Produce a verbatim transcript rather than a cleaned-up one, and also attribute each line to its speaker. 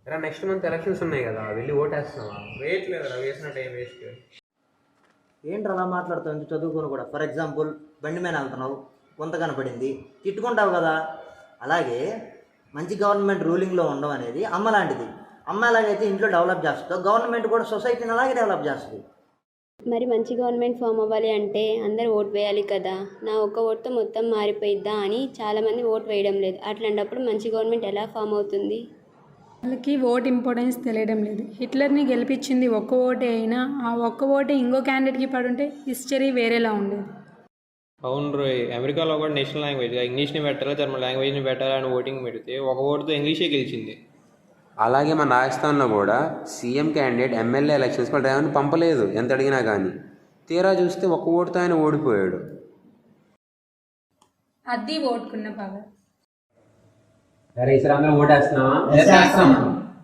Speaker 1: రా next month elections ఉన్నాయి కదా, వెళ్ళి ఓటేస్తున్నావా? వేయట్లేదు రా, వేసిన టైం వేస్ట్.
Speaker 2: ఏంటి అలా మాట్లాడుతావు? ఇంత చదువుకొని కూడా. ఫర్ ఎగ్జాంపుల్ బండి మీద వెళ్తున్నావు, కొంత కనపడింది, తిట్టుకుంటావు కదా. అలాగే మంచి గవర్నమెంట్ రూలింగ్లో ఉండడం అనేది అమ్మ లాంటిది. అమ్మ ఎలాగైతే ఇంట్లో డెవలప్ చేస్తుందో గవర్నమెంట్ కూడా సొసైటీని అలాగే డెవలప్ చేస్తుంది.
Speaker 3: మరి మంచి గవర్నమెంట్ ఫామ్ అవ్వాలి అంటే అందరు ఓటు వేయాలి కదా. నా ఒక్క ఓటుతో మొత్తం మారిపోయిద్దా అని చాలామంది ఓటు వేయడం లేదు. అట్లాంటప్పుడు మంచి గవర్నమెంట్ ఎలా ఫామ్ అవుతుంది?
Speaker 4: వాళ్ళకి ఓట్ ఇంపార్టెన్స్ తెలియడం లేదు. హిట్లర్ని గెలిపించింది ఒక్క ఓటే అయినా ఆ ఒక్క ఓటే ఇంకో క్యాండిడేట్కి పడుంటే హిస్టరీ వేరేలా ఉండేది.
Speaker 5: అవును రోయ్, అమెరికాలో కూడా నేషనల్ లాంగ్వేజ్గా ఇంగ్లీష్ని పెట్టాలా జర్మన్ లాంగ్వేజ్ని పెట్టాలా అని ఓటింగ్ పెడితే ఒక ఓటుతో ఇంగ్లీషే గెలిచింది.
Speaker 1: అలాగే మన రాజస్థాన్లో కూడా సీఎం క్యాండిడేట్ ఎమ్మెల్యే ఎలక్షన్స్ కూడా డ్రైవర్ని పంపలేదు ఎంత అడిగినా కానీ. తీరా చూస్తే ఒక్క ఓటుతో ఆయన ఓడిపోయాడు.
Speaker 4: అది ఓటుకున్న పవర్.
Speaker 1: ఈసారి అందరం ఓటేస్తున్నావా?